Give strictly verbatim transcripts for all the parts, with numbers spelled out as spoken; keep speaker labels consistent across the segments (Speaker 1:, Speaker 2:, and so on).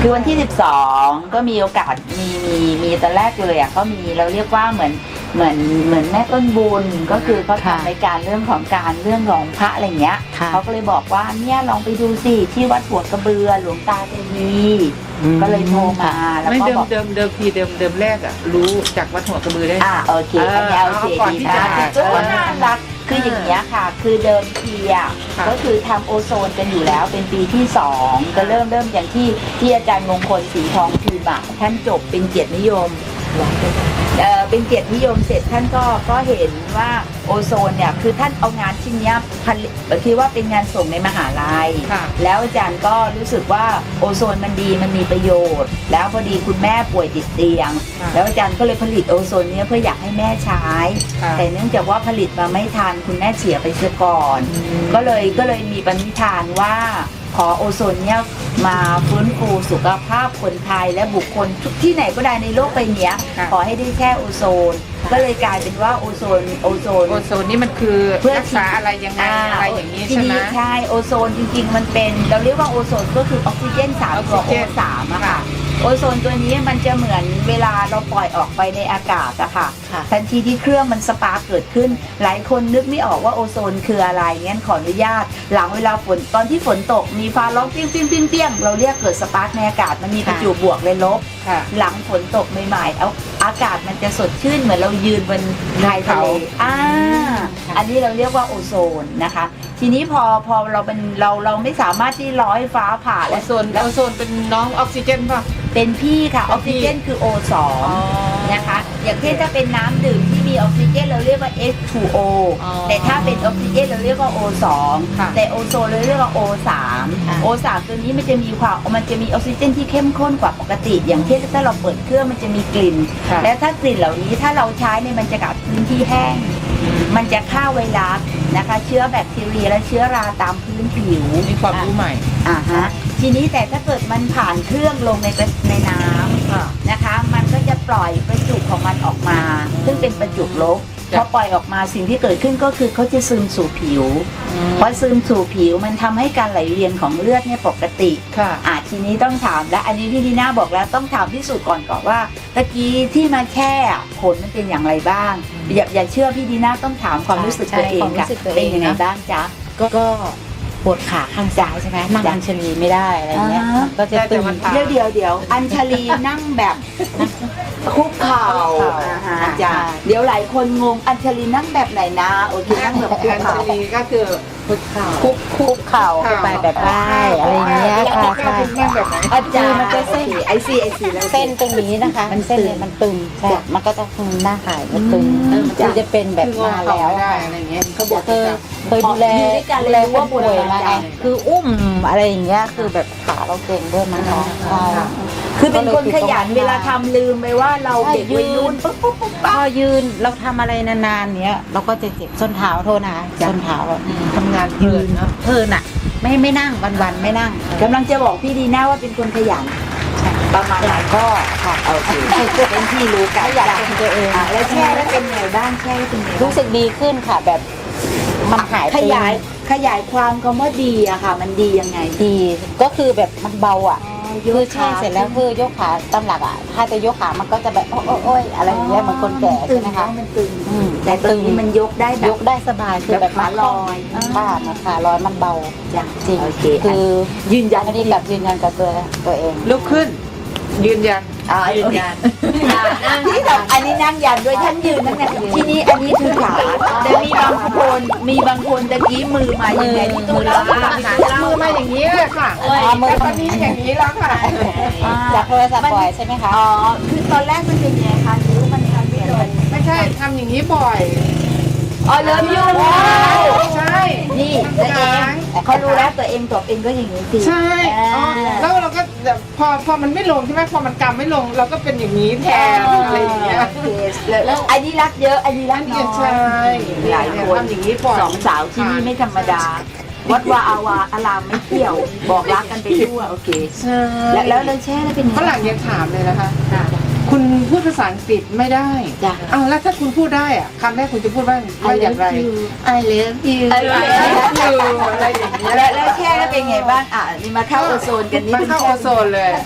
Speaker 1: คือวันที่สิบสองก็มีโอกาสมีมีมีตอนแรกเลยอ่ะก็มีเราเรียกว่าเหมือนเหมือนเหมือนแม่ต้นบุญก็คือเขาทำรายการเรื่องของการเรื่องของพระอะไรเงี้ยเขาก็เลยบอกว่าเนี่ยลองไปดูสิที่วัดหัวกระเบือหลวงตาเทวีก็เลยโทรมาแล้วก็บอก
Speaker 2: เดิมเดิมทีเดิมเดิมแรกอ่ะรู้จากวัดหัวกระบือได้
Speaker 1: อ่าโอเคอันนี้โอเคดีนะก็น่ารักคืออย่างเงี้ยค่ะคือเดิมทีอ่ะก็คือทำโอโซนกันอยู่แล้วเป็นปีที่สองก็เริ่มเริ่มอย่างที่ที่อาจารย์มงคลสีทองพิมพ์ท่านจบเป็นเกียรตินิยมเอ่อเป็นเกียรตินิยมเสร็จท่านก็ก็เห็นว่าโอโซนเนี่ยคือท่านเอางานชิ้นนี้ผลิตคิดว่าเป็นงานส่งในมหาลัยแล้วอาจารย์ก็รู้สึกว่าโอโซนมันดีมันมีประโยชน์แล้วพอดีคุณแม่ป่วยติดเตียงแล้วอาจารย์ก็เลยผลิตโอโซนนี้เพื่ออยากให้แม่ใช้แต่เนื่องจากว่าผลิตมาไม่ทันคุณแม่เสียไปเสียก่อนก็เลยก็เลยมีปณิธานว่าขอโอโซนเนี่ยมาฟื้นฟูสุขภาพคนไทยและบุคคลทุกที่ไหนก็ได้ในโลกใบนี้ขอให้ได้แค่โอโซนก็เลยกลายเป็นว่าโอโซนโอโซน
Speaker 2: โอโซนนี่มันคือเพื่อรักษาอะไรยังไงอะไรอย่างนี้ใช่ไหม
Speaker 1: ใช่โอโซนจริงๆมันเป็นเราเรียกว่าโอโซนก็คือออกซิเจนสามตัวโอสามอะค่ะโอโซนตัวนี้มันจะเหมือนเวลาเราปล่อยออกไปในอากาศอะค่ะทันทีที่เครื่องมันสปาร์กเกิดขึ้นหลายคนนึกไม่ออกว่าโอโซนคืออะไรงั้นขออนุญาตหลังเวลาฝนตอนที่ฝนตกมีฟ้าร้องเปี้ยงเปี้ยงเปี้ยงเปี้ยงเราเรียกเกิดสปาร์กในอากาศมันมีประจุบวกและลบหลังฝนตกใหม่ๆเอาอากาศมันจะสดชื่นเหมือนเรายืนบนชายทะเลอ่าอันนี้เราเรียกว่าโอโซนนะคะทีนี้พอพอเราเป็นเราเราไม่สามารถที่ร้อยฟ้าผ่า
Speaker 2: โอโซนโอโซนเป็นน้องออกซิเจนป่ะ
Speaker 1: เป็นพี่ค่ะออกซิเจนคือ โอ สอง นะคะอย่างเช่นถ้าเป็นน้ำดื่มที่มีออกซิเจนเราเรียกว่า เอช ทู โอ แต่ถ้าเป็นออกซิเจนเราเรียกว่า โอ สอง แต่โอโซนเราเรียกว่า โอ สาม โอ สาม ตัวนี้มันจะมีความมันจะมีออกซิเจนที่เข้มข้นกว่าปกติอย่างเช่นถ้าเราเปิดเครื่องมันจะมีกลิ่นและถ้ากลิ่นเหล่านี้ถ้าเราใช้ในมันจะกับพื้นที่แห้งมันจะฆ่าไวรัสนะคะเชื้อแบคทีเรียและเชื้อราตามพื้นผิว
Speaker 2: มีความรู้ใหม่
Speaker 1: อ่าฮะทีนี้แต่ถ้าเกิดมันผ่านเครื่องลงในในน้ำนะคะมันก็จะปล่อยประจุของมันออกมาซึ่งเป็นประจุลบพอปล่อยออกมาสิ่งที่เกิดขึ้นก็คือเขาจะซึมสู่ผิวพอซึมสู่ผิวมันทำให้การไหลเวียนของเลือดเนี่ยปกติค่ะอ่าทีนี้ต้องถามและอันนี้พี่ดีน่าบอกแล้วต้องถามพิสูจน์ก่อนก่อนว่าตะกี้ที่มาแช่ผลมันเป็นอย่างไรบ้างอย่าอย่าเชื่อพี่ดีน่าต้องถามความรู้สึกตัวเองค่ะเป็นยังไงบ้างจ๊ะ
Speaker 3: ก็ปวดขาข้างซ้ายใช่ไหมนั่งอัญชลีไม่ได้อะไรเงี้ยก็จะตึง
Speaker 1: เดี๋ยวเดี๋ยวเดี๋ยวอัญชลีนั่งแบบคุกเข่าจ้ะเดี๋ยวหลายคนงงอัญชลีนั่งแบบไหนนะโอเคนั่งแบบคุกเข่า
Speaker 2: อัญชลีก็คือคุกเข่า
Speaker 3: คุกคุกเข่าไปแบบได้อะไรเงี้ยค่ะใช่
Speaker 1: อาจารย์มันจะเส้นไอซีไอซีแล้ว
Speaker 3: เส้นตรงนี้นะคะมันเส้นมันตึงใช่มันก็จะหน้าหายมันตึงคือจะเป็นแบบมาแล้ว
Speaker 2: อะไรเงี้ยเขาบอก
Speaker 3: เคยเคยดูแลดูแลว่าป่วยมาไงคืออุ้มอะไรอย่างเงี้ยคือแบบขาเราเก่งด้วยมั้งคะใช่
Speaker 1: คือเป็นคนขยันเวลาทำลืมไปว่าเราเด็กวัยรุ่นปุ๊บปุ๊บปุ๊บ
Speaker 3: พอยืนเราทำอะไรนานๆเนี้ยเราก็จะเจ็บส้นเท้าโทษนะส้นเท้า
Speaker 2: ทำงานยืนเนาะ
Speaker 3: เพลินอ่ะไม่ไม่นั่งวันๆไม่นั่ง
Speaker 1: กำลังจะบอกพี่ดีน่าว่าเป็นคนขยันประมาณไหนก็ค่ะโอเคเป็นที่รู้กัน
Speaker 3: อยากเป็นตัวเอง
Speaker 1: แล้วแช่แล้วเป็นไงบ้างแช่แล้วเป็นไง
Speaker 3: รู้สึกดีขึ้นค่ะแบบมันหาย
Speaker 1: ขยายขยายความคำว่าดีอะค่ะมันดียังไง
Speaker 3: ดีก็คือแบบมันเบาอ่ะคือแช่เสร็จแล้วคือยกขาตามหลักอ่ะถ้าจะยกขามันก็จะแบบโอ้โอ้ยอะไรอย่างเงี้ยเหมือนคนแก่ใช่ไหมคะ
Speaker 1: มันตึงแต่ตรงนี้มันยกได้
Speaker 3: ยกได้สบายคือแบบ
Speaker 1: ขาลอย
Speaker 3: ขาขาลอยมันเบาจริงคือ
Speaker 1: ยืนยัน
Speaker 3: อันนี้กับยืนยันกับตัวตัวเอง
Speaker 2: ลุกขึ้นยืนยัน
Speaker 1: ยืนยันที่แบบอันนี้นั่งยันด้วยท่านยืนนั่งยันที่นี้อันนี้คือขาแต่มีบางคนมีบางคนตะกี้มือมาอย่างไงที่ตัวเรา
Speaker 2: มือมาอย่างนี้เลยค่ะมือตอนนี้อย่างนี้แล้วค่ะ
Speaker 3: จากโทรศัพท์บ่อยใช่ไหมคะ
Speaker 1: อ๋อคือตอนแรกมันเป็นไงคะนิ้วมันทำไม่เลย
Speaker 2: ไม่ใช่ทำอย่างนี้บ่อย
Speaker 1: อ๋อเริ่มยุ่ง
Speaker 2: ใช่
Speaker 1: นี่ตัวเองเขารู้แล้วตัวเองตัวเองก็อย่างนี้สิ
Speaker 2: ใช่แล้วเราก็พอพอมันไม่ลงใช่ไหมพอมันกำไม่ลงเราก็เป็นอย่างนี้แทนอะไรอย่างเงี้ย
Speaker 1: แล้วอันนี้รักเยอะอันนี้รักน้อย
Speaker 2: ใช่
Speaker 1: หลายคน
Speaker 2: อย่างนี้บ่อย
Speaker 1: สองสาวที่นี่ไม่ธรรมดาวัดวาอาวาอารามไม่เกี่ยวบอกรักกันไปทั่วโอเค
Speaker 2: ใช่
Speaker 1: แล้วแล้วเลยแช่แล้วเป็น
Speaker 2: ฝรั่งยังถามเลยนะคะคุณพูดภาษาอังกฤษไม่ได้
Speaker 1: จ้ะ
Speaker 2: อ้าวแล้วถ้าคุณพูดได้อะคำแรกคุณจะพูดว่าว่าอย่างไร
Speaker 1: I love you
Speaker 2: I love you อะไรอย่างเงี้ย
Speaker 1: แล้วแล้วแช่แล้วเป็นไงบ้างอ่ะนี่มาเข้าโอโซนกันนี่
Speaker 2: มาเข้าโอโซนเลย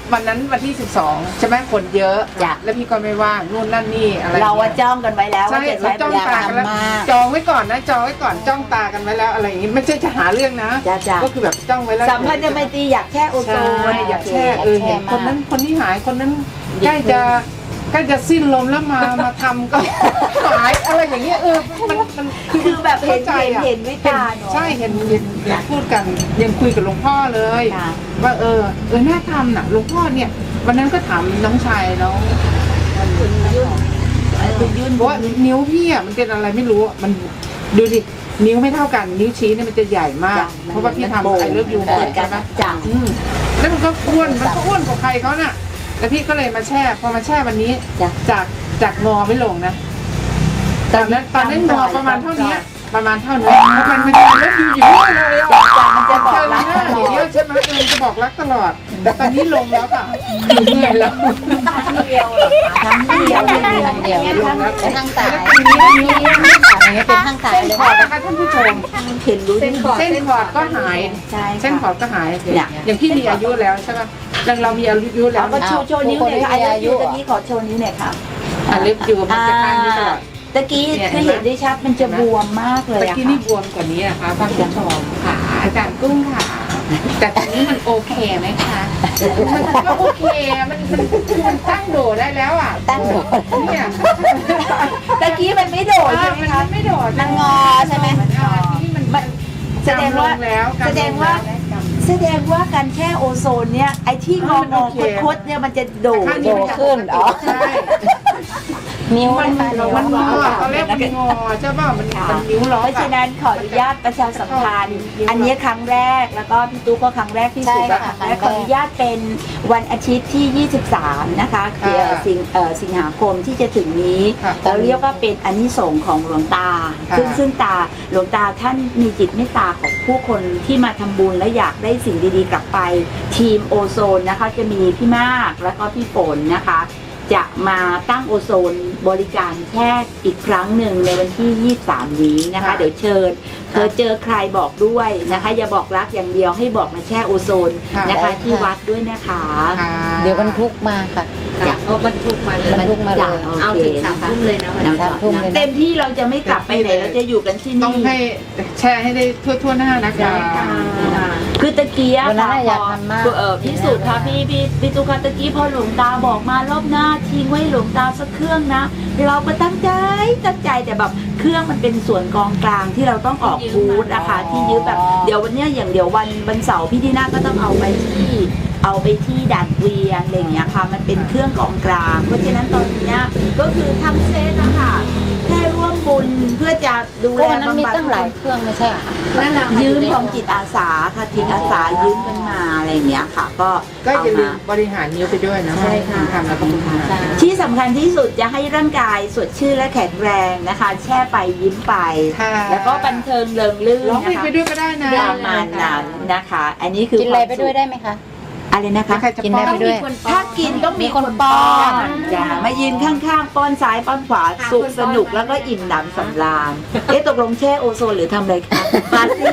Speaker 2: วันนั้นวันที่สิบสองใช่ไหมคนเยอะ
Speaker 3: จ้ะ
Speaker 2: แล้วพี่ก็ไม่ว่างนู่นนั่นนี่อะไร
Speaker 1: เราว่า
Speaker 2: นี่ย
Speaker 1: จ้องกันไว้แล้ว
Speaker 2: ใช่
Speaker 1: ว่าจะ
Speaker 2: เรา
Speaker 1: ใช้
Speaker 2: จ้อง
Speaker 1: บริ
Speaker 2: ตา
Speaker 1: การ
Speaker 2: กันแล้ว
Speaker 3: มาก
Speaker 2: จองไว้ก่อนนะจองไว้ก่อนจ้องตากันไว้แล้วอะไรอย่างงี้ไม่ใช่จะหาเรื่องนะ
Speaker 1: จ้ะจ้ะ
Speaker 2: ก็คือแบบจ้องไว้แล้ว
Speaker 1: สัมพันธ์จะไม่ตรีอยากแค่โอโซ
Speaker 2: ใช่
Speaker 1: น
Speaker 2: อยากแช่เออ
Speaker 3: อยากแช่
Speaker 2: เห็นคนนั้นคนนี้หายคนนั้นใกล้จะใกล้จะสิ้นลมแล้วมามาทำก็หายอะไรอย่างเงี้ยเออมันมัน
Speaker 1: คือแบบเห็น
Speaker 2: ข้าใจ
Speaker 1: เห็น
Speaker 2: อะ
Speaker 1: เห็นด้วยตาเนอะ
Speaker 2: ใช่เห็นเห็นเห็นพูดกันยังคุยกับหลวงพ่อเลย
Speaker 1: ค่ะ
Speaker 2: ว่าเออเออน่าทำน่ะหลวงพ่อเนี่ยวันนั้นก็ถามน้องชายน้อง
Speaker 1: คุณยุ่นคุณยุ่น
Speaker 2: บอกว่านิ้วพี่อ่ะมันเป็นอะไรไม่รู้อะมันดูดินิ้วไม่เท่ากันนิ้วชี้เนี่ยมันจะใหญ่มาก เพราะว่าพี่ทำไอเลิฟยู
Speaker 1: เปิ
Speaker 2: เปิ
Speaker 1: ด
Speaker 2: ด
Speaker 1: กั
Speaker 2: กัน น
Speaker 1: นะ
Speaker 2: นะ
Speaker 1: จัง
Speaker 2: อืมแล้วมันก็อ้วนมันก็อ้วนกว่าใครเขาน่ะแล้วพี่ก็เลยมาแช่พอมาแช่วันนี้
Speaker 1: จ้ะ
Speaker 2: จากจากงอไม่ลงนะตอนนั้นตอนนั้นงอประมาณเท่านี้ประมาณเท่านี้เพราะมันมันจะเลิฟยูอยู่เรื่อยเลยอะ
Speaker 1: มันจะบอกรัก
Speaker 2: เจอหน้าอย่างเงี้ยใช่ไหมเออจะบอกรักตลอด แต่ตอนนี้ลงแล้วค่ะคือเหนื่อยแล้ว
Speaker 1: เดียวทั้งเดียว
Speaker 3: เดียวเดียว
Speaker 2: ลงแล้ว
Speaker 3: เป็นทางสาย
Speaker 2: แล้วปีนี้นิ้ว
Speaker 3: อย่างเงี้ยเป็นทางสาย
Speaker 2: เส้น
Speaker 3: เลย
Speaker 2: ขอดนะคะท่านผู้ชม
Speaker 1: เห็นรู้
Speaker 2: เส้นขอดเส้นขอดก็หาย
Speaker 1: ใช่
Speaker 2: เส้นขอ
Speaker 1: ค่ะ
Speaker 2: ดก็หาย
Speaker 1: เนี่ย
Speaker 2: อย่างพี่มีอายุแล้วใช่ป่ะเราเรามีอายุแล้
Speaker 1: แล้ว วก็โชว์โชว์นิ้วหน่อยค่ะไอเล็บยูตะกี้ขอโชว์นิ้วหน่อยค่ะ
Speaker 2: อ่ะเล็บอยู่มันจะข้างนี้ตลอด
Speaker 1: ตะกี้คือเห็นได้ชัดมันจะบวมมากเลย
Speaker 2: ตะ
Speaker 1: อะ
Speaker 2: กี้
Speaker 1: ค่ะ
Speaker 2: นี่บวมกว่านี้นะคะท่านผู้ชมค่ะอาจารย์กุ้งค่ะ แต่ตอนนี้มันโอเคไหมคะมันก็โอเคมันมันมันตั้งโดดได้แล้วอ่ะ
Speaker 3: ตั้งโดด
Speaker 2: เนี่ย
Speaker 1: ตะกี้มันไม่โดดใช่ไหม
Speaker 2: มัน
Speaker 1: คะ
Speaker 2: ไม่โดด
Speaker 3: มันงอใช่ไหม
Speaker 2: มันงอที่มันมัน
Speaker 1: แสดงว่า
Speaker 2: จำลแล้ว
Speaker 1: แสดงว่า แสดงว่าการแช่โอโซนเนี่ยไอ้ที่งองอคดๆเนี่ยมันจะโดด
Speaker 2: ข้าง
Speaker 3: โดดขึ้นอ๋อ
Speaker 2: ใช่
Speaker 3: นิ้ว
Speaker 2: มัน
Speaker 3: นะคะนิ้ว
Speaker 2: มันงอตอนแรกมันงอใช่ป่ะมันมันนิ้วล็อก
Speaker 1: เพราะฉะนั้นขออนุญาตประชาสัมพันธ์อันนี้ครั้งแรกแล้วก็พี่ตุ๊กก็ครั้งแรกที่สุดแล้วครั้งแรกขออนุญาตเป็นวันอาทิตย์ที่ ยี่สิบสาม นะคะคือสิงเอ่อสิงหาคมที่จะถึงนี้เราเรียกว่าเป็นอานิสงส์ของหลวงตา ซึ่งซึ่งตาหลวงตาท่านมีจิตเมตตาของผู้คนที่มาทำบุญและอยากได้สิ่งดีๆกลับไปทีมโอโซนนะคะจะมีพี่มากแล้วก็พี่ฝนนะคะ จะมาตั้งโอโซนบริการแค่อีกครั้งหนึ่งในวันที่ ยี่สิบสาม นี้นะคะ เดี๋ยวเชิญเธอเจอใครบอกด้วยนะคะ อย่าบอกรักอย่างเดียวให้บอกมาแช่โอโซนนะคะที่วัดด้วยนะคะ
Speaker 2: ค่ะ
Speaker 3: เดี๋ยวบรรทุกมาค่ะ
Speaker 1: จ้ะ
Speaker 4: เอาบรรทุกมาเลย
Speaker 3: บรรทุกมาเลย
Speaker 4: เอาถึงสามทุ่มเลยนะวันนี้
Speaker 3: สามทุ่มเลยนะ
Speaker 1: เต็มที่เราจะไม่กลับไปไหนเราจะอยู่กันที่
Speaker 2: ต้อง
Speaker 1: นี่
Speaker 2: ให้แชร์ให้ได้ทั่วทั่วๆหน้านะคะ
Speaker 1: คือตะกี้อะ
Speaker 3: วันนั้น
Speaker 1: ค่ะ
Speaker 3: อะอยากทำมาก
Speaker 1: เออพิสูจน์ค่ะพี่พี่พี่ตุกตะกี้พอหลวงตาบอกมารอบหน้าทิ้งไว้หลวงตาสักเครื่องนะ เราก็ตั้งใจตั้งใจแต่แบบเครื่องมันเป็นส่วนกองกลางที่เราต้องออกบูธนะคะที่ยืมแบบเดี๋ยววันเนี้ยอย่างเดี๋ยววันวันเสาร์พี่ดีน่าก็ต้องเอาไปที่เอาไปที่ด่านเกวียนอะไรอย่างเงี้ยค่ะมันเป็นเครื่องกองกลาง เพราะฉะนั้นตอนเนี้ยก็คือทำเซตนะคะแค่ร่วมบุญเพื่อจะดู
Speaker 3: ก็
Speaker 1: แล
Speaker 3: วันนั้นมี
Speaker 1: บำบัด
Speaker 3: ตั้งหลายเครื่องไม่ใช่เหรอคะ
Speaker 4: นั่นแหละ
Speaker 1: ยืมของจิตอาสาค่ะจิตอาสายืมกันมาอะไรอย่างเงี้ยค่ะ ก็
Speaker 2: ก็
Speaker 1: เอา
Speaker 2: อย่าลื
Speaker 1: มาม
Speaker 2: บริหารนิ้วไปด้วยนะ
Speaker 1: ใช่ค่ะ
Speaker 2: ทำแล้วก็บุญทาน
Speaker 1: ที่สำคัญที่สุดจะให้ร่างกายสดชื่นและแข็งแรงนะคะ แช่ไปยิ้มไป
Speaker 2: ค่ะ
Speaker 1: แล้วก็บันเทิงเริงรื่น
Speaker 2: ร้องเพล
Speaker 1: นะ
Speaker 2: ง
Speaker 1: คะ
Speaker 2: ไปด้วยก็ได้นะ
Speaker 1: ประมาณนั้นนะคะ อันนี้คือ
Speaker 3: กินอะไรไปด้วย
Speaker 1: ควา
Speaker 3: ได้ไหมคะ
Speaker 1: มสุขอะไรนะคะ
Speaker 2: ใครจะ
Speaker 3: กินได้
Speaker 2: ป้อ
Speaker 3: ไปด้วย
Speaker 1: ถ้ากินต้องมี
Speaker 3: มี
Speaker 1: ค
Speaker 3: คน น
Speaker 1: ป้
Speaker 3: ป้
Speaker 1: อ
Speaker 3: อน
Speaker 1: นอย่ามายืนข้างๆป้อนซ้ายป้อนขวาสุขสนุกแล้วก็อิ่มหนำสำราญเอ๊ะตกลงแช่โอโซนหรือทำอะไรคะปาร์ตี้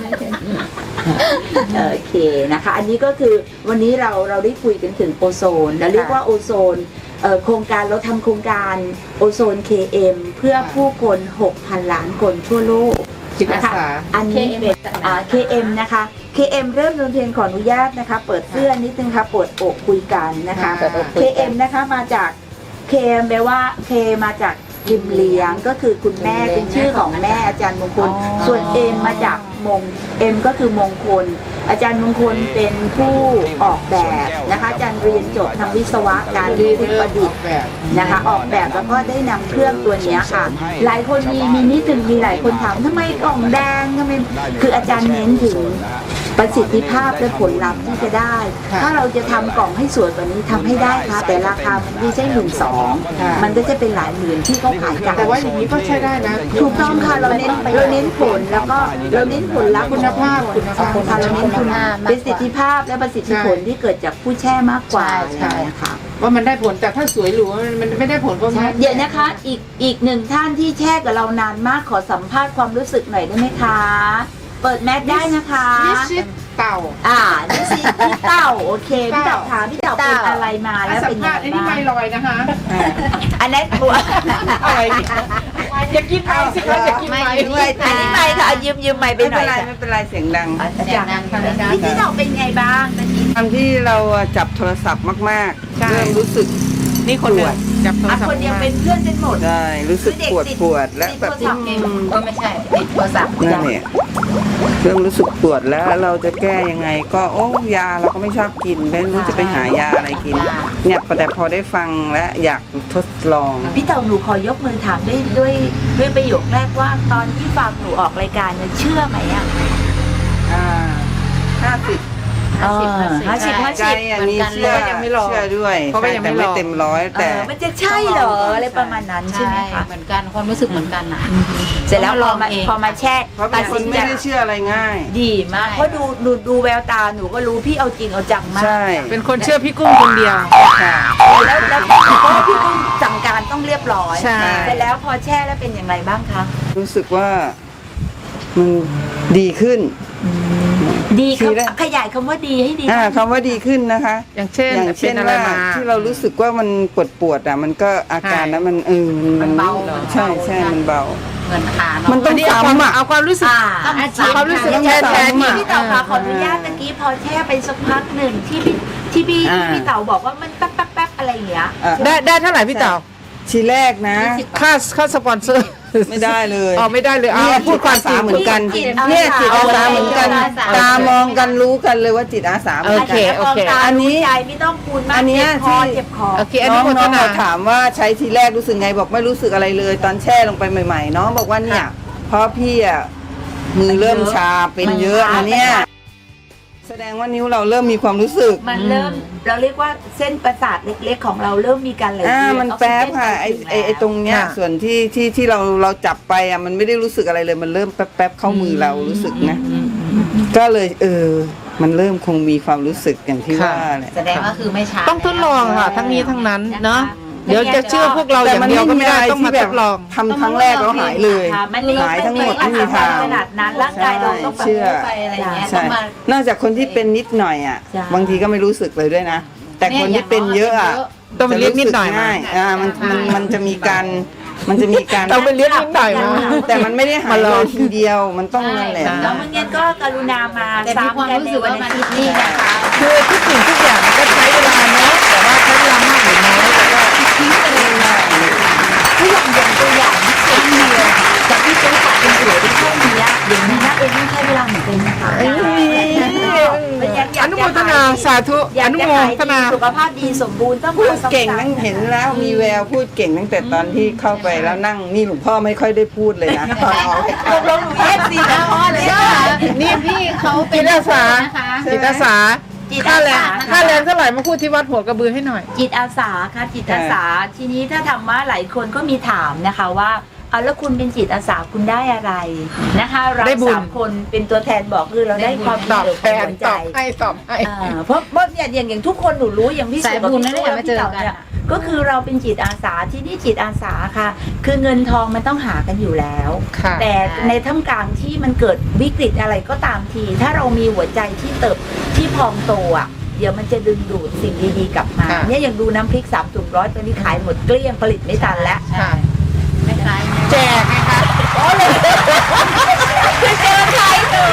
Speaker 1: โอเคนะคะ อันนี้ก็คือวันนี้เราเราได้คุยกันถึงโอโซนเราเรียกว่าโอโซนเอ่อโครงการเราทำโครงการโอโซน เค เอ็ม เพื่อผู้คน หกพัน ล้านคนทั่วโลก
Speaker 2: จิตอา
Speaker 1: นะคะ
Speaker 2: สา
Speaker 1: อันนี้เป็นอ่า เค เอ็ม นะคะ เค เอ็ม เริ่มดนเพลงขออนุญาตนะคะ เปิดเสื้อนิดนึงค่ะเปิดอกคุยกันนะคะ
Speaker 2: เปิดอกคุ
Speaker 1: เค
Speaker 2: ยกัน
Speaker 1: เอ็ม นะคะมาจาก K แปลว่า K มาจากริมเลี้ยงก็คือคุณแม่เป็นชื่อของแม่อาจารย์มงคล ส่วน M มาจากมง M ก็คือมงคล อาจารย์มงคลเป็นผู้ออกแบบนะคะอาจารย์เรียนจบทางวิศวะการ
Speaker 2: ดี
Speaker 1: ผู้
Speaker 2: เริ่
Speaker 1: ป
Speaker 2: ม
Speaker 1: ระดิ
Speaker 2: อ
Speaker 1: ษ
Speaker 2: อก
Speaker 1: ฐ์
Speaker 2: แบบ
Speaker 1: นะคะออกแบบแล้วก็ได้นำเครื่องตัวเนี้ยค่ะ หลายคนมีมีนิดถึงมีหลายคนถามทำไมกล่องแดงทำไมคืออาจารย์เน้นถึงประสิทธิภาพและผลลัพธ์ที่จะได้
Speaker 2: ค่ะ
Speaker 1: ถ้าเราจะทำกล่องให้สวยกว่านี้ทำให้ได้ค่ะ แต่ราคามันไม่ใช่หมื่นสอง
Speaker 2: ค่ะ
Speaker 1: มันก็จะเป็นหลายหมื่นที่เขาขายกัน
Speaker 2: แต่ว่าอย่างนี้ก็ใช้ได้นะ
Speaker 1: ถูกต้องค่ะเราเน้นเราเน้นผลแล้วก็เราเน้นผลลัพธ์
Speaker 2: คุณภาพคุณภาพ
Speaker 1: ค่ะเราเน้นคุณภาพประสิทธิภาพและประสิทธิผลที่เกิดจากผู้แช่มากกว่า
Speaker 3: ใช่
Speaker 1: อะไรอย่างเงี้ยค่ะ
Speaker 2: ว่ามันได้ผลแต่ถ้าสวยหรูมันมันไม่ได้ผลก็ไม่
Speaker 1: เดี๋ยวนะคะอีกอีกหนึ่งท่านที่แช่กับเรานานมากขอสัมภาษณ์ความรู้สึกหน่อยได้ไหมคะ เปิดแมสได้นะคะ
Speaker 2: นิชิตเต่า
Speaker 1: อ่านี่สิพี่เต่าโอเคพี่
Speaker 2: เต่า
Speaker 1: เต่าถามพี่เต่าเป็นอะไรมาแล้ว
Speaker 2: สั
Speaker 1: เป็
Speaker 2: ม
Speaker 1: น
Speaker 2: ภา
Speaker 1: ยั
Speaker 2: ษ
Speaker 1: ง
Speaker 2: ณ์อัน
Speaker 1: ไง
Speaker 2: นี้
Speaker 1: บ้า
Speaker 2: ไม่
Speaker 1: ง
Speaker 2: ลอยนะคะ
Speaker 1: อันนั้นตัว
Speaker 2: อะไรอย่ากินไปสิคะอย่ากินไป
Speaker 4: ด้วย
Speaker 1: อันนี้ไม่ค่ะยืมยืมไม่ไป
Speaker 5: ไม่
Speaker 1: หน่
Speaker 5: เป็
Speaker 1: อน ย
Speaker 5: ไร
Speaker 1: ค่ะ
Speaker 5: ไม่เป็นไรเสียงดัง
Speaker 1: อาจารย์พี่พี่เต่าเป็นไงบ้างตอนนี้
Speaker 5: ตอนที่เราจับโทรศัพท์มาก
Speaker 2: ใช่
Speaker 5: ๆ เริ่มรู้สึก
Speaker 2: นี่คนเดียวจับโทร
Speaker 1: อ่ะ
Speaker 2: ศัพท์
Speaker 1: คนเดียวเป็นเพื่อนกันหมด
Speaker 5: ได้รู้สึกปวดปวดและแบบ
Speaker 1: ติดโทรศัพท์เอง
Speaker 5: อืม
Speaker 1: ก็ไม่ใช่ติดโทรศัพท์
Speaker 5: นั่นเนี่ยเริ่มรู้สึกปวดแล้วเราจะแก้ยังไง ก็โอ้ยาเราก็ไม่ชอบกินไม่รู้จะไปหายาอะไรกิน เนี่ยแต่พอได้ฟังและอยากทดลอง
Speaker 1: พี่เต่าหนูขอยกมือถามด้วยด้วยด้วยประโยคแรกว่าตอนที่ฟังหนูออกรายการเนี่ยเชื่อไหมอ่ะ
Speaker 5: อ่าห้าสิบ
Speaker 1: ห้าสิบห้า
Speaker 5: ใจ
Speaker 1: สิบ
Speaker 5: อันนี้เชื่อ
Speaker 2: ยังไม่ลอง
Speaker 5: เชื่อด้วย
Speaker 2: เพราะว่ายังไม่
Speaker 5: แต่
Speaker 2: ล
Speaker 5: ไม่
Speaker 2: อง
Speaker 5: เต็มร้อย
Speaker 1: เอ
Speaker 5: แต่
Speaker 1: อมันจะใช่เหรออะไรประมาณนั้นใช่ไหมคะ
Speaker 3: เหมือนกันความรู้สึกเหมือนกันนะ
Speaker 1: เสร็จแล้วพอมา
Speaker 3: เอง
Speaker 1: พอมาแช่
Speaker 5: เพราะเป็
Speaker 1: ตั
Speaker 5: น
Speaker 1: ด
Speaker 5: ค
Speaker 1: สิ
Speaker 5: น
Speaker 1: น
Speaker 5: ไม่
Speaker 1: ใจ
Speaker 5: ได้เชื่ออะไรง่าย
Speaker 1: ดีมากเพราะดูดูดูแววตาหนูก็รู้พี่เอาจริงเอาจังมาก
Speaker 5: ใช่
Speaker 2: เป็นคนเชื่อพี่กุ้งคนเดียว
Speaker 5: ค่ะ
Speaker 1: แล้วแล้วเพราะว่าพี่กุ้งสั่งการต้องเรียบร้อย
Speaker 2: ใช่
Speaker 1: เสร็จแล้วพอแช่แล้วเป็นอย่างไรบ้างคะ
Speaker 5: รู้สึกว่ามันดีขึ้น
Speaker 1: ดี
Speaker 5: ทีแรก
Speaker 1: ขยายคำว่าดีให้ดี
Speaker 5: อ่าคำว่าดีขึ้นนะคะ
Speaker 2: อย่างเช่น
Speaker 5: อย่างเช่น
Speaker 2: เป็นอะไร
Speaker 5: ว่า
Speaker 2: มา
Speaker 5: ที่เรารู้สึกว่ามันปวดปวดๆอ่ะมันก็อาการนั้นมันเออมัน
Speaker 3: มันเบา
Speaker 5: ใช่ใช่มันเบา
Speaker 3: เหมือนขา
Speaker 5: มัน
Speaker 3: เนาะ
Speaker 5: ต้อง
Speaker 2: นี่เอาความ
Speaker 5: ซ้ำอ่ะ
Speaker 2: เอาความรู้สึก
Speaker 1: อ่า
Speaker 2: ความรู้สึก
Speaker 1: อย่ง
Speaker 2: แทนแทน
Speaker 1: ที่
Speaker 2: อ่ะ
Speaker 1: พี่เต่าคะขออนุญาตตะกี้พอแช่ไปสักพักหนึ่งที่พี่ที่พี่
Speaker 5: อ่า
Speaker 1: ที่พี่เต่าบอกว่ามันแป๊บแป๊บแป๊บอะไรอย่างเงี้ย
Speaker 5: อ่ะ
Speaker 2: ได้ได้เท่าไหร่พี่เต่า
Speaker 5: ทีแรกนะ
Speaker 2: ค่าค่าสปอนเซอร์
Speaker 5: ไม่ได้เลย
Speaker 2: อ๋อไม่ได้เลยเอา
Speaker 5: เนี่ย
Speaker 2: พูดความจริง
Speaker 5: เหมือนกัน
Speaker 1: จิตอาสา
Speaker 5: เนี่ยจิตอาสาเหมือนกัน
Speaker 1: จิตอาสา
Speaker 5: ตามองกันรู้กันเลยว่าจิตอาสาเหมือน
Speaker 2: โอเค
Speaker 5: กัน
Speaker 2: โอเค
Speaker 1: มงตา
Speaker 5: อันนี้
Speaker 1: รู้ใจไม่ต้องคูณมาก
Speaker 5: อันเนี้ย
Speaker 1: เจ็บคอ
Speaker 5: ที่
Speaker 1: เจ็บคอ
Speaker 2: โอเคอัน
Speaker 5: น้
Speaker 2: นี้
Speaker 5: อง
Speaker 2: โฆษ
Speaker 5: น้อง
Speaker 2: ณา
Speaker 5: เราถามว่าใช้ทีแรกรู้สึกไงบอกไม่รู้สึกอะไรเลย ตอนแช่ลงไปใหม่ๆน้องบอกว่าเนี่ยเพราะพี่อ่ะมือเริ่มชาเป็นเยอะนะเนี่ยแสดงว่านิ้วเราเริ่มมีความรู้สึก
Speaker 1: มันเริ่มเราเรียกว่าเส้นประสาทเล็กๆของเราเริ่มมีการไหล
Speaker 5: อ่า
Speaker 1: เวียน
Speaker 5: มัน
Speaker 1: ออกซิ
Speaker 5: แป๊บ
Speaker 1: เจน
Speaker 5: ค่ะ
Speaker 1: ไป
Speaker 5: ไอ
Speaker 1: ถึ
Speaker 5: ไอไอตรงเนี้ย
Speaker 2: ค่ะ
Speaker 5: ส่วนที่ที่ที่เราเราจับไปอ่ะมันไม่ได้รู้สึกอะไรเลย มันเริ่มแป๊บแป๊บเข้ามือเรารู้สึกนะ ก็เลยเออ มันเริ่มคงมีความรู้สึกอย่างที่ว่าแหละ
Speaker 3: แสดงว่าคือไม่ช้า
Speaker 2: ต้องทดลองค่ะ ทั้งนี้ทั้งนั้นเนาะเดี๋ยวจะเชื่อพวกเราอย่างเดียวก็ไม่ได้ต้องมาทดลอง
Speaker 5: ทำครั้งแรกแล้วหายเลย
Speaker 1: ค่ะมัน
Speaker 5: หายทั้งหมดไม่มีทาง
Speaker 1: ขนาดนั้นร่างกายเราต้องแบบ
Speaker 5: เชื่อ
Speaker 3: ไปอะไรอย่างเงี้ยต้
Speaker 5: ใช่
Speaker 3: องมา
Speaker 5: นอกจากคนที่เป็นนิดหน่อยอ่ะ
Speaker 1: ใช่
Speaker 5: บางทีก็ไม่รู้สึกเลยด้วยนะ แต่คนที่เป็นเยอะอ่ะ
Speaker 2: ต้องไปเรียกนิดหน่อยมา
Speaker 5: จะรู้สึกง่ายอ่ามันมันมันจะมีการมันจะมีการ
Speaker 2: ต้องไปเรียกนิดหน่อยมา
Speaker 5: แต่มันไม่ได้หายเลยทีเดียวมันต้องนั่นแหละ
Speaker 1: แล้วเมื่อกี้ก็กรุณามา
Speaker 3: แต่มีความรู้สึกว่ามันนี่นะคะ
Speaker 2: คือทุกสิ่งทุกอย่างมันก็ใช้เวลาเนาะแต่ว่าใช้เวลามากหรือน้อยแต่ก็
Speaker 1: ทุกอย่างอย่างตัวอย่างที่เองเดียวจากที่เป็นขาเป็นสวยได้แค่นี้อย่างนี้นะเองไม่ใช่เวลาเหมือนกันนะคะ
Speaker 2: อนุโมทนาสาธุ
Speaker 1: อยา
Speaker 2: อก นุ
Speaker 1: จะ
Speaker 2: โม
Speaker 1: ขาย
Speaker 2: ทนา
Speaker 1: ดีสุขภาพดีสมบูรณ์ต้อง
Speaker 5: พูดเก่งตั้งเห็นแล้วมีแววพูดเก่งตั้งแต่ตอนที่เข้าไปแล้วนั่งนี่หลวงพ่อไม่ค่อยได้พูดเลยนะตอนออกรายการ
Speaker 1: ลงหนูเอฟซีนะอ๋อเลย
Speaker 3: นี่พี่เขาเป็
Speaker 2: จิ
Speaker 3: น
Speaker 2: ตอาสา
Speaker 3: นะคะ
Speaker 2: จิตอาสา
Speaker 1: จิต
Speaker 2: ค่า
Speaker 1: อา
Speaker 2: แรง
Speaker 1: สา
Speaker 2: ค่าแรงเท่าไหร่มาพูดที่วัดหัวกระบือให้หน่อย
Speaker 1: จิตอาสาค่ะจิตอาสาทีนี้ถ้าทำว่าหลายคนก็มีถามนะคะว่าเอาแล้วคุณเป็นจิตอาสาคุณได้อะไรนะคะเรา
Speaker 2: ได้บุญ
Speaker 1: สามคนเป็นตัวแทนบอกคือเราได้ความ
Speaker 2: ตอบ
Speaker 1: ดี
Speaker 2: แทน
Speaker 1: หัวใจ
Speaker 2: ตอบให้ตอบให้
Speaker 1: อ่าเพราะเพราะเนี่ยอย่างอย่างทุกคนหนูรู้อย่างพี่
Speaker 3: สาย
Speaker 1: สุกับ
Speaker 3: บุญ
Speaker 1: พี่
Speaker 3: นั่นแหละมาเจอกัน
Speaker 1: ยก็คือเราเป็นจิตอาสาที่นี่จิตอาสาค่ะ คือเงินทองมันต้องหากันอยู่แล้ว
Speaker 2: ค่ะ
Speaker 1: แต่ในท่ามกลางที่มันเกิดวิกฤตอะไรก็ตามที ถ้าเรามีหัวใจที่เติบที่พองโตอ่ะเดี๋ยวมันจะดึงดูดสิ่งดีๆกลับมา
Speaker 2: ค่ะ
Speaker 1: เนี่ยอย่างดูน้ำพริกสามถุงร้อยตอนนี้ขายหมดเกลี้ยงผลิตไม่ทันแล้ว
Speaker 2: ค่ะ
Speaker 3: ไม่คล้าย
Speaker 2: แจกไงคะ
Speaker 1: คือเจอใครหนู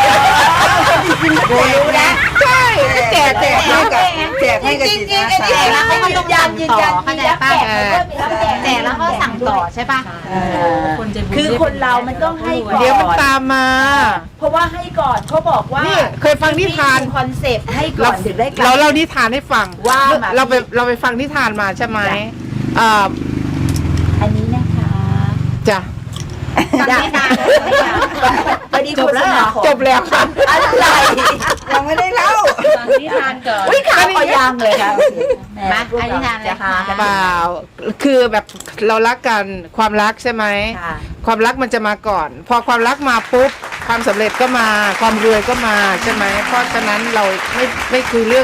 Speaker 1: รู้แล้ว
Speaker 2: ใช่แจกแจก
Speaker 5: ให้กับแจกให้กับจิตอาสา
Speaker 1: จริงๆแล้วเขาต้องยันยืนยัน
Speaker 3: เข้าใจ
Speaker 1: รับ
Speaker 3: ป่ะ
Speaker 1: แจกแล้วก็มีรับแจก
Speaker 3: แต่แล้วก็สั่งต่อใช่ป่ะ
Speaker 1: เออคือคนเรามันต้องให้ก่อน
Speaker 2: เดี๋ยวมันตามมา
Speaker 1: เพราะว่าให้ก่อนเขาบอกว่า
Speaker 2: นี่เคยฟังนิทาน
Speaker 1: คอนเซปต์ให้ก่อนถึงได้กลับ
Speaker 2: เราเล่านิทานให้ฟัง
Speaker 1: ว่ามา
Speaker 2: เราไปเราไปฟังนิทานมาใช่ไหมอ่า
Speaker 1: อันนี้นะคะ
Speaker 2: จ้ะ
Speaker 3: ฟังนิทาน
Speaker 1: พอดีจบแล้ว
Speaker 2: จบแล้วค่ะ
Speaker 1: อะไร
Speaker 5: ยังไม่ได้เล่า
Speaker 3: ฟังนิทานก่อน
Speaker 1: อุ้ยข่าวก็ยังเลยค่ะ
Speaker 3: มาอันนิทานเลยค่ะ
Speaker 2: เปล่าคือแบบเรารักกันความรักใช่ไหม
Speaker 1: ค่ะ
Speaker 2: ความรักมันจะมาก่อน พอความรักมาปุ๊บความสำเร็จก็มาความรวยก็มาใช่ไหมเพราะฉะนั้นเราไม่ไม่คุยเรื่อง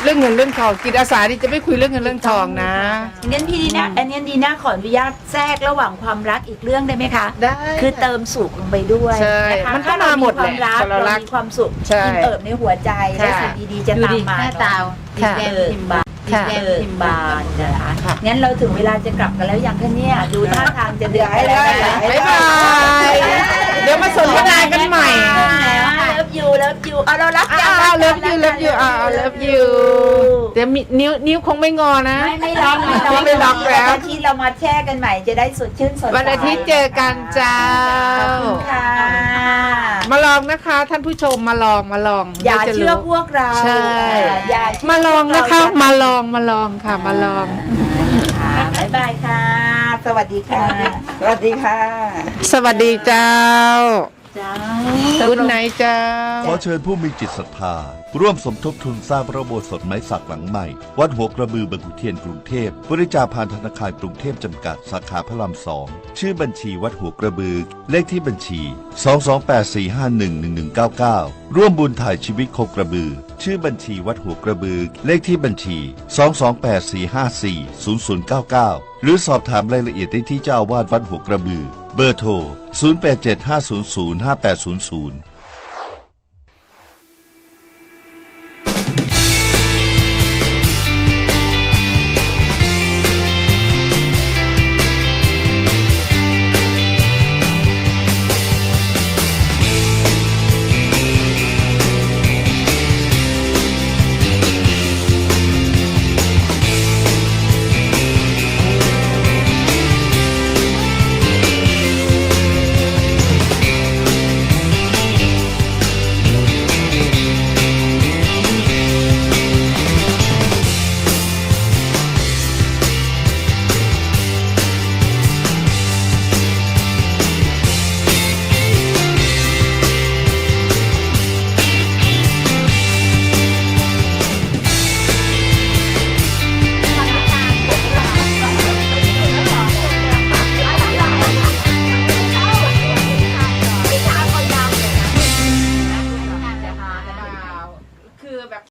Speaker 2: เรื่องเงินเรื่องทองจิตอาสาที่จะไม่คุยเรื่องเงินเรื่องทองนะ
Speaker 1: งั้นพี่ดีนะอันนี้ดีนะขออนุญาตแทรกระหว่างความรักอีกเรื่องได้ไหมคะ
Speaker 2: ได้
Speaker 1: คือเติมสุขลงไปด้วย
Speaker 2: ใช่
Speaker 1: นะคะ
Speaker 2: มันก็
Speaker 1: ถ้าเรา
Speaker 2: มาหม
Speaker 1: มี
Speaker 2: ด
Speaker 1: ความรัก
Speaker 2: แหละ
Speaker 1: เรา
Speaker 2: เรารัก
Speaker 1: มีความสุข
Speaker 2: ใช่
Speaker 1: อิ่มเอิบในหัวใจและ
Speaker 2: ค่ะ
Speaker 1: สิ่งดีๆจะตามมา
Speaker 3: หน้าตา
Speaker 1: ค่ะ
Speaker 3: แก้มพิมพ์บาน
Speaker 2: ค่ะ
Speaker 3: แก้มพิมพ์บาน
Speaker 1: นะคะ
Speaker 2: ค่ะ
Speaker 1: งั้นเราถึงเวลาจะกลับกันแล้วยังคะเนี่ยดูท่าทางจะเดือด
Speaker 5: ให้ได้
Speaker 1: แล้ว
Speaker 5: ให้
Speaker 2: บ๊าย
Speaker 5: ได้
Speaker 2: บายเดี๋ยวมาสนทนากันใหม่
Speaker 1: เลิฟยูเลิฟยูเอาเรารักกัน
Speaker 2: อ้าวเลิฟยูเลิฟยูอ้าวเลิฟยูเดี๋ยวมีนิ้วนิ้วคงไม่งอนะ
Speaker 1: ไม่ไม่ล็อกไม่ล็อก
Speaker 2: ไม่ล็อกแล้ว
Speaker 1: วันอาทิตย์เรามาแช่กันใหม่จะได้สดชื่นสดใส
Speaker 2: วันอาทิตย์เจอกันจ้า
Speaker 1: ขอบคุณค่ะ
Speaker 2: มาลองนะคะ ท่านผู้ชมมาลองมาลอง
Speaker 1: อย่า
Speaker 2: ดี๋วจะ
Speaker 1: เชื่อ
Speaker 2: รู้
Speaker 1: พวกเรา
Speaker 2: ใช่
Speaker 1: อย่าเชื่
Speaker 2: มาลองนะคะ
Speaker 1: พวกเร
Speaker 2: มาลองมาลองค่ะมาลอง
Speaker 1: ค่ะบ๊ายบายค่ะ สวัสดีค่ะ
Speaker 5: สวัสดีค่ะ
Speaker 2: สวัสดีเจ้า
Speaker 1: จ้า
Speaker 2: คุณไหนเจ้า
Speaker 6: ขอเชิญผู้มีจิตศรัทธา ร่วมสมทบทุนสร้างพระอุโบสถไม้สักหลังใหม่ วัดหัวกระบือบางขุนเทียนกรุงเทพบริจาคผ่านธนาคารกรุงเทพจำกัดสาขาพระรามสองชื่อบัญชีวัดหัวกระบือ เลขที่บัญชี สอง สอง แปด สี่ ห้า หนึ่ง หนึ่ง หนึ่ง เก้า เก้า ร่วมบุญถ่ายชีวิตโคกระบือ ชื่อบัญชีวัดหัวกระบือ เลขที่บัญชี สอง สอง แปด สี่ ห้า สี่ ศูนย์ ศูนย์ เก้า เก้า หรือสอบถามรายละเอียดได้ที่เจ้าอาวาสวัดหัวกระบือ เบอร์โทร ศูนย์ แปด เจ็ด ห้า ศูนย์ ศูนย์ ห้า แปด ศูนย์ ศูนย์